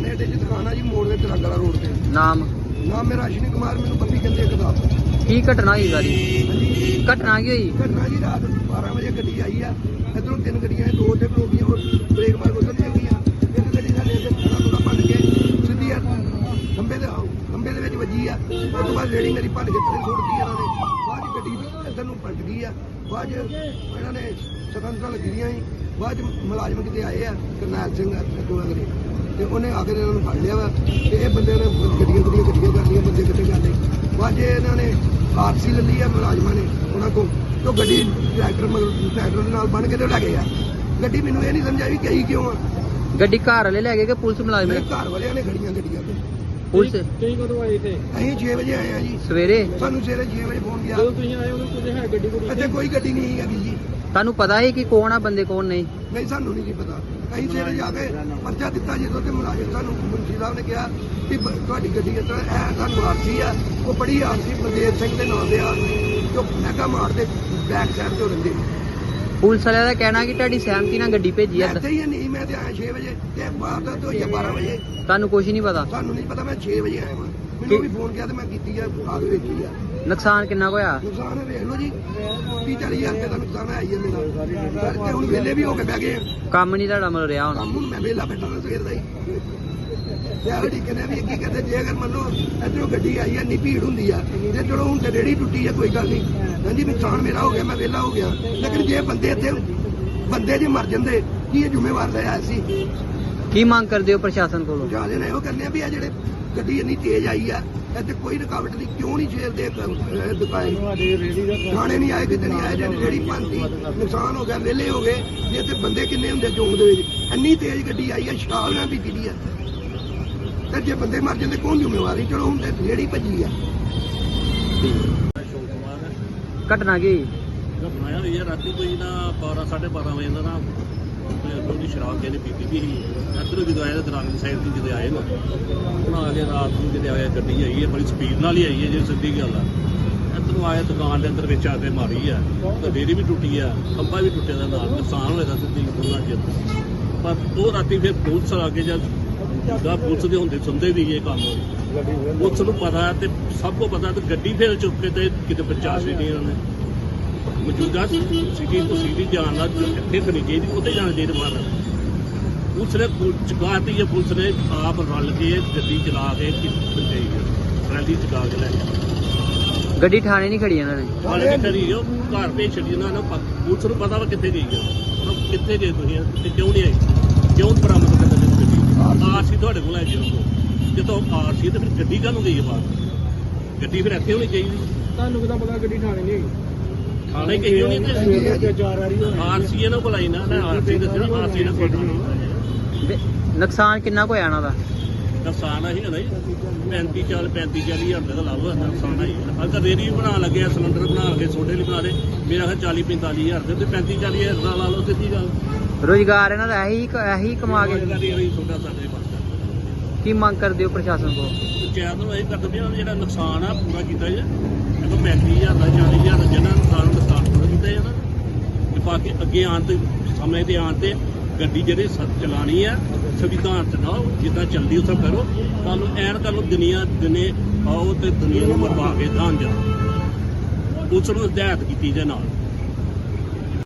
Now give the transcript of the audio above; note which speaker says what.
Speaker 1: ਕਿਰਾਣੇ ਅੱਡੇ 'ਚ ਦੁਕਾਨ ਆ ਜੀ, ਮੋੜ ਦੇ ਤਿਰੰਗਲਾ ਰੋਡ ਤੇ।
Speaker 2: ਨਾਮ
Speaker 1: ਮੇਰਾ ਅਸ਼ਵਨੀ ਕੁਮਾਰ, ਮੈਨੂੰ ਬੱਬੀ ਕਹਿੰਦੇ ਇੱਕ ਦਾ।
Speaker 2: ਕੀ ਘਟਨਾ ਹੋਈ ਸਾਰੀ? ਘਟਨਾ ਕੀ ਹੋਈ?
Speaker 1: ਘਟਨਾ ਜੀ ਰਾਤ 12 ਵਜੇ ਗੱਡੀ ਆਈ ਆ, ਇੱਧਰੋਂ 3 ਗੱਡੀਆਂ, 2 ਉੱਥੇ ਖਲੋਗੀਆਂ, ਔਰ ਬ੍ਰੇਕ ਮਾਰ ਉਧਰ ਚੱਲ ਗਈਆਂ। ਇੱਕ ਗੱਡੀ ਸਾਡੇ ਇੱਥੇ ਥੋੜਾ ਭੰਨ ਕੇ ਸਿੱਧੀ ਖੰਭੇ ਦੇ ਵਿੱਚ ਵੱਜੀ ਆ। ਉਸ ਤੋਂ ਬਾਅਦ ਰੇੜੀ ਮੇਰੀ ਭੰਨ ਕੇ ਥੱਲੇ ਸੁੱਟਦੀ ਇਹਨਾਂ ਨੇ। ਬਾਅਦ 'ਚ ਗੱਡੀ ਇੱਧਰ ਨੂੰ ਪਲਟ ਗਈ ਆ। ਬਾਅਦ 'ਚ ਇਹਨਾਂ ਨੇ ਸਤੰਤਰਾਂ ਲੱਗੀ ਦੀਆਂ ਸੀ। ਬਾਅਦ 'ਚ ਮੁਲਾਜ਼ਮ ਕਿਤੇ ਆਏ ਆ, ਕਰਨੈਲ ਸਿੰਘ ਅਗਰੇ, ਤੇ ਉਹਨੇ ਆ ਕੇ ਇਹਨਾਂ ਨੂੰ ਫੜ ਲਿਆ ਵਾ। ਤੇ ਇਹ ਬੰਦੇ ਨੇ ਗੱਡੀਆਂ ਕਰ ਲਈਆਂ, ਬੰਦੇ ਕਿੱਥੇ ਜਾਂਦੇ। ਬਾਅਦ 'ਚ ਇਹਨਾਂ ਨੇ ਆਰਸੀ ਲੈ ਲਈ ਆ ਮੁਲਾਜ਼ਮਾਂ ਨੇ ਉਹਨਾਂ ਕੋਲ, ਤੇ ਗੱਡੀ ਟਰੈਕਟਰ ਦੇ ਨਾਲ ਬੰਨ ਕੇ ਤੇ ਲੈ ਗਏ ਆ। ਗੱਡੀ ਮੈਨੂੰ ਇਹ ਨਹੀਂ ਸਮਝਿਆ ਵੀ ਗਈ ਕਿਉਂ ਆ।
Speaker 2: ਗੱਡੀ ਘਰ ਵਾਲੇ ਲੈ ਗਏ ਕਿ ਪੁਲਿਸ ਮੁਲਾਜ਼ਮ?
Speaker 1: ਘਰ ਵਾਲਿਆਂ ਨੇ ਖੜੀਆਂ ਗੱਡੀਆਂ ਤੇ।
Speaker 2: ਪੁਲਿਸ
Speaker 3: ਤੁਸੀਂ ਕਦੋਂ ਆਏ ਇੱਥੇ?
Speaker 1: ਅਸੀਂ 6 ਵਜੇ ਆਏ ਆ ਜੀ।
Speaker 2: ਸਵੇਰੇ?
Speaker 1: ਸਾਨੂੰ ਸਵੇਰੇ 6 ਵਜੇ ਫੋਨ ਗਿਆ।
Speaker 3: ਜਦੋਂ ਤੁਸੀਂ ਆਏ ਉਦੋਂ ਕੁਝ ਹੈ ਗੱਡੀ ਕੋਲ?
Speaker 1: ਇੱਥੇ ਕੋਈ ਗੱਡੀ ਨਹੀਂ ਹੈਗੀ ਜੀ।
Speaker 2: ਤੁਹਾਨੂੰ ਪਤਾ ਹੈ ਕਿ ਕੌਣ ਆ ਬੰਦੇ, ਕੌਣ ਨਹੀਂ?
Speaker 1: ਨਹੀਂ, ਸਾਨੂੰ ਨਹੀਂ ਜੀ ਪਤਾ। ਅਸੀਂ ਸਵੇਰੇ ਜਾ ਕੇ ਪਰਚਾ ਦਿੱਤਾ ਜਦੋਂ, ਤੇ ਮੁਲਾਜ਼ਮ ਸਾਨੂੰ ਮੁਨਸ਼ੀ ਸਾਹਿਬ ਨੇ ਕਿਹਾ ਕਿ ਤੁਹਾਡੀ ਗੱਡੀ ਇਸ ਤਰ੍ਹਾਂ ਇਹ ਸਾਨੂੰ ਆਰਸੀ ਆ। ਉਹ ਬੜੀ ਆਰਸੀ ਬਲਦੇਵ ਸਿੰਘ ਦੇ ਨਾਮ ਦੇ ਆਰਸੀ, ਜੋ ਮੈਗਾ ਮਾਰ ਦੇ ਬੈਕ ਸਾਈਡ ਤੋਂ ਰਹਿੰਦੇ।
Speaker 2: ਪੁਲਿਸ ਵਾਲਿਆਂ ਦਾ ਕਹਿਣਾ ਕਿ ਤੁਹਾਡੀ ਸਹਿਮਤੀ ਨਾਲ ਗੱਡੀ ਭੇਜੀ ਆ।
Speaker 1: ਇੱਥੇ ਹੀ ਨਹੀਂ, ਮੈਂ ਤੇ ਆਇਆ 6 ਵਜੇ ਤੇ ਬਾਹਰ ਦਾ ਤੋਂ 12 ਵਜੇ।
Speaker 2: ਤੁਹਾਨੂੰ ਕੁਝ ਨਹੀਂ ਪਤਾ?
Speaker 1: ਸਾਨੂੰ ਨਹੀਂ ਪਤਾ, ਮੈਂ 6 ਵਜੇ ਆਇਆ ਵਾਂ। ਮੈਨੂੰ ਵੀ ਫੋਨ ਕੀਤਾ ਤੇ ਮੈਂ ਕੀਤੀ ਆ, ਆ ਕੇ ਵੇਖੀ ਆ।
Speaker 2: ਨੁਕਸਾਨ ਕਿੰਨਾ ਕੁ ਹੋਇਆ?
Speaker 1: ਨੁਕਸਾਨ ਵੇਖ ਲਓ ਜੀ, 30-40 ਹਜ਼ਾਰ ਰੁਪਏ ਦਾ ਨੁਕਸਾਨ ਆਈ ਹੈ ਮੇਰਾ। ਤੇ ਹੁਣ ਵਿਹਲੇ ਵੀ ਹੋ ਕੇ ਬਹਿ ਗਏ ਆ।
Speaker 2: ਕੰਮ ਨਹੀਂ ਤੁਹਾਡਾ ਮਿਲ ਰਿਹਾ ਹੁਣ?
Speaker 1: ਕੰਮ ਹੁਣ ਮੈਂ ਵਿਹਲਾ ਬੈਠਾ ਨਾ ਸਵੇਰ ਦਾ ਹੀ। ਯਾਰ ਠੀਕ ਨੇ ਵੀ ਕੀ ਕਹਿੰਦੇ, ਜੇ ਅਗਰ ਮੰਨ ਲਓ ਇੱਧਰੋਂ ਗੱਡੀ ਆਈ ਆ, ਇੰਨੀ ਭੀੜ ਹੁੰਦੀ ਆ, ਤੇ ਚਲੋ ਹੁਣ ਤੇ ਰੇੜੀ ਟੁੱਟੀ ਆ, ਕੋਈ ਗੱਲ ਨਹੀਂ। ਹਾਂਜੀ, ਨੁਕਸਾਨ ਮੇਰਾ ਹੋ ਗਿਆ, ਮੈਂ ਵਿਹਲਾ ਹੋ ਗਿਆ। ਲੇਕਿਨ ਜੇ ਬੰਦੇ ਇੱਥੇ ਜੇ ਮਰ ਜਾਂਦੇ, ਕੀ ਇਹ ਜ਼ਿੰਮੇਵਾਰ ਲਿਆ ਸੀ?
Speaker 2: ਕੀ ਮੰਗ ਕਰਦੇ ਹੋ ਪ੍ਰਸ਼ਾਸਨ ਕੋਲੋਂ?
Speaker 1: ਜਾਦੇ ਨੇ ਇਹੋ ਕਰਨੇ ਆ ਵੀ ਆ ਜਿਹੜੇ ਗੱਡੀ ਇੰਨੀ ਤੇਜ਼ ਆਈ ਆ, ਇੱਥੇ ਕੋਈ ਰੁਕਾਵਟ ਨਹੀਂ, ਕਿਉਂ ਨਹੀਂ ਛੇਲਦੇ ਦੁਕਾਨ? ਥਾਣੇ ਨਹੀਂ ਆਏ, ਕਿਤੇ ਨਹੀਂ ਆਏ, ਜਿਹੜੀ ਪੰਦੀ ਨੁਕਸਾਨ ਹੋ ਗਿਆ, ਵਿਹਲੇ ਹੋ ਗਏ। ਜੇ ਇੱਥੇ ਬੰਦੇ ਕਿੰਨੇ ਹੁੰਦੇ ਚੌਂਕ ਦੇ ਵਿੱਚ? ਇੰਨੀ ਤੇਜ਼ ਗੱਡੀ ਆਈ ਆ, ਸ਼ਰਾਬ ਨਾਲ ਪੀਤੀ ਦੀ ਆ, ਤੇ ਜੇ ਬੰਦੇ ਮਰ ਜਾਂਦੇ ਕੌਣ ਜ਼ਿੰਮੇਵਾਰ? ਚਲੋ ਹੁਣ ਤੇ ਰੇੜੀ ਭੱਜੀ ਆ।
Speaker 2: ਘਟਨਾ ਕੀ?
Speaker 3: ਘਟਨਾ ਹੋਈ ਹੈ ਰਾਤੀ ਕੋਈ ਨਾ 12-12:30 ਵਜੇ ਦਾ ਨਾ ਉਹਦੀ ਸ਼ਰਾਬ ਜਿਹਨੇ ਪੀਤੀ ਵੀ ਸੀ। ਇੱਧਰੋਂ ਜਦੋਂ ਆਏ ਤਾਂ ਦਰਾਂਗੇ ਸਾਈਡ ਤੋਂ ਜਦੋਂ ਆਏ ਨਾ, ਉਹਨਾਂ ਆ ਕੇ ਰਾਤ ਨੂੰ ਜਦੋਂ ਆਇਆ ਗੱਡੀ ਆਈ ਹੈ, ਬੜੀ ਸਪੀਡ ਨਾਲ ਹੀ ਆਈ ਹੈ, ਜੇ ਸਿੱਧੀ ਗੱਲ ਆ। ਇੱਧਰੋਂ ਆਏ ਦੁਕਾਨ ਦੇ ਅੰਦਰ ਵਿੱਚ ਆ ਕੇ ਮਾਰੀ ਆ, ਤੇ ਰੇੜੀ ਵੀ ਟੁੱਟੀ ਆ, ਖੰਭਾ ਵੀ ਟੁੱਟਿਆ ਦਾ ਨਾਲ, ਨੁਕਸਾਨ ਹੋਇਆ ਦਾ ਸਿੱਧੀ ਉਹਨਾਂ ਚ। ਪਰ ਉਹ ਰਾਤੀ ਫਿਰ ਪੁਲਿਸ ਆ ਕੇ ਜਦ ਪੁਲਿਸ ਦੇ ਹੁੰਦੇ ਸੁਣਦੇ ਵੀ ਇਹ ਕੰਮ, ਪੁਲਿਸ ਨੂੰ ਪਤਾ ਤੇ ਸਭ ਕੋ ਪਤਾ, ਤੇ ਗੱਡੀ ਫਿਰ ਚੁੱਕ ਕੇ ਤੇ ਕਿਤੇ ਬਚਾ ਛੱਡੀ ਉਹਨਾਂ ਨੇ। ਮੌਜੂਦਾ ਸਿਟੀ ਤੋਂ ਸਿਟੀ ਜਾਣ ਨਾਲ ਇੱਥੇ ਖੜੀ ਚਾਹੀਦੀ, ਉੱਥੇ ਜਾਣਾ ਚਾਹੀਦਾ ਬਾਹਰ। ਪੁਲਿਸ ਨੇ ਚੁਕਾਤੀ ਹੈ, ਪੁਲਿਸ ਨੇ ਆਪ ਰਲ ਕੇ ਗੱਡੀ ਚਲਾ ਕੇ ਰੈਲੀ ਚੁਕਾ ਕੇ ਲੈ ਗਿਆ।
Speaker 2: ਗੱਡੀ ਥਾਣੇ ਨਹੀਂ ਖੜੀ ਇਹਨਾਂ ਨੇ?
Speaker 3: ਥਾਣੇ ਕਿੱਥੇ ਗਈ? ਉਹ ਘਰ ਭੇਜ ਛੱਡੀ ਉਹਨਾਂ ਨੇ। ਪੁਲਿਸ ਨੂੰ ਪਤਾ ਵਾ ਕਿੱਥੇ ਗਈ ਆ, ਕਿੱਥੇ ਗਏ ਤੁਸੀਂ ਤੇ ਕਿਉਂ ਨਹੀਂ ਆਏ, ਕਿਉਂ ਬਰਾਮਦ ਕਰਦੇ ਗੱਡੀ? ਆਰਸੀ ਤੁਹਾਡੇ ਕੋਲ ਹੈ ਜਦੋਂ ਆਰਸੀ ਤੇ ਫਿਰ ਗੱਡੀ ਕਾਹਨੂੰ ਗਈ ਹੈ ਬਾਹਰ? ਗੱਡੀ ਫਿਰ ਇੱਥੇ ਹੋਣੀ ਚਾਹੀਦੀ।
Speaker 1: ਤੁਹਾਨੂੰ ਕਿਦਾਂ ਪਤਾ ਗੱਡੀ ਥਾਣੇ ਨਹੀਂ ਹੈਗੀ?
Speaker 3: ਥਾਣੇ ਕਹੀ ਹੋਣੀ ਆਰਸੀ ਇਹਨਾਂ ਕੋਲ ਆਈ ਨਾ, ਆਰਸੀ ਦੱਸਣਾ, ਆਰਸੀ ਨਾਲ ਕੋਈ
Speaker 2: ਨੁਕਸਾਨ ਕਿੰਨਾ ਕੁ ਹੋਇਆ ਇਹਨਾਂ ਦਾ?
Speaker 3: ਨੁਕਸਾਨ ਆਹੀ ਹੈ ਨਾ ਜੀ, 35-40 ਹਜ਼ਾਰ ਰੁਪਏ ਦਾ ਲਾਭ ਹੋਇਆ ਨੁਕਸਾਨ ਆਈ। ਅਗਰ ਰੇੜੀ ਵੀ ਬਣਾਉਣ ਲੱਗੇ, ਸਿਲੰਡਰ ਬਣਾ ਕੇ ਸੋਡੇ ਲਈ ਬਣਾ ਦੇ, ਮੇਰਾ ਖਿਆਲ 40-45 ਹਜ਼ਾਰ ਰੁਪਏ ਤੇ 35-40 ਹਜ਼ਾਰ ਦਾ ਲਾ ਲਓ, ਸਿੱਧੀ ਗੱਲ।
Speaker 2: ਰੁਜ਼ਗਾਰ ਇਹਨਾਂ ਦਾ ਇਹੀ ਕਮਾ ਕੇ?
Speaker 3: ਛੋਟਾ ਸਾਡੇ ਪਾਸ।
Speaker 2: ਕੀ ਮੰਗ ਕਰਦੇ ਹੋ ਪ੍ਰਸ਼ਾਸਨ ਕੋਲ?
Speaker 3: ਪੰਚਾਇਤ ਨੂੰ ਇਹ ਕਰਦੇ ਵੀ ਜਿਹੜਾ ਨੁਕਸਾਨ ਆ ਪੂਰਾ ਕੀਤਾ ਜਾਏ। ਦੇਖੋ 35,000 ਦਾ 40,000 ਦਾ ਜਿਹਨਾਂ ਨੁਕਸਾਨ ਪੂਰਾ ਕੀਤਾ ਜਾਏ ਨਾ, ਤੇ ਬਾਕੀ ਅੱਗੇ ਆਉਣ ਤੇ ਸਮੇਂ ਦੇ ਆਉਣ ਤੇ ਗੱਡੀ ਜਿਹੜੀ ਚਲਾਣੀ ਆ ਸੰਵਿਧਾਨ ਚਲਾਓ, ਜਿੱਦਾਂ ਚੱਲਦੀ ਉੱਥੇ ਕਰੋ। ਤੁਹਾਨੂੰ ਐਨ ਕਰ ਲਓ ਦੁਨੀਆ ਦਿਨੇ ਆਓ ਤੇ ਦੁਨੀਆ ਨੂੰ ਮਰਵਾ ਕੇ ਦਾਨ ਜਾਓ। ਪੁਲਿਸ ਨੂੰ ਹਦਾਇਤ ਕੀਤੀ ਜਾਏ ਨਾਲ।